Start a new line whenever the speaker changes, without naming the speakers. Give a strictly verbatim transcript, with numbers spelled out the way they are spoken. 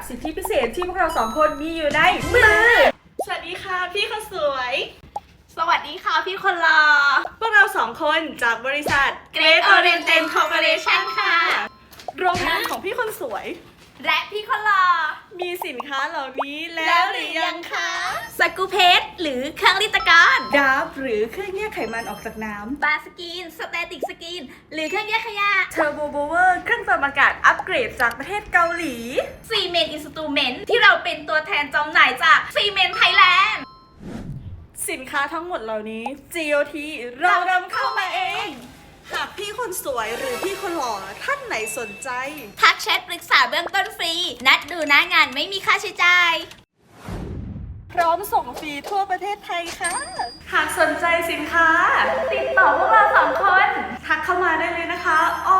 สิทธิพิเศษที่พวกเราสองคนมีอยู่ในมือสวัสดีค่ะพี่คนสวย
สวัสดีค่ะพี่คนรอ
พวกเราสองคนจากบริษัท
Great Oriental Corporation ค่ะ
โรงงานของพี่คนสวย
และพี่คนรอ
มีสินค้าเหล่านี้แล้วหรือยังคะ
สกูเพสหรือเครื่องริตกร
ดาฟหรือเครื่องแยกไขมันออกจากน้ำ
บาสกินสเตติกสกินหรือเครื่องแยกขยะ
เทอร์โบโบเวอร์เครื่องปรับอากาศอัปเกรดจากประเทศเกาหลี
ซีเมนต์อินสตูเมนต์ที่เราเป็นตัวแทนจำหน่ายจากซีเมนต์ไทยแลนด์
สินค้าทั้งหมดเหล่านี้ จี โอ ที เรานำเข้ามาเองหากพี่คนสวยหรือพี่คนหล่อท่านไหนสนใจ
ทักแชทปรึกษาเบื้องต้นฟรีนัดดูหน้างานไม่มีค่าใช้จ่าย
พร้อมส่งฟรีทั่วประเทศไทยค่ะหากสนใจสินค้า
ติดต่อพวกเราสองคน
ทักเข้ามาได้เลยนะคะอ้อ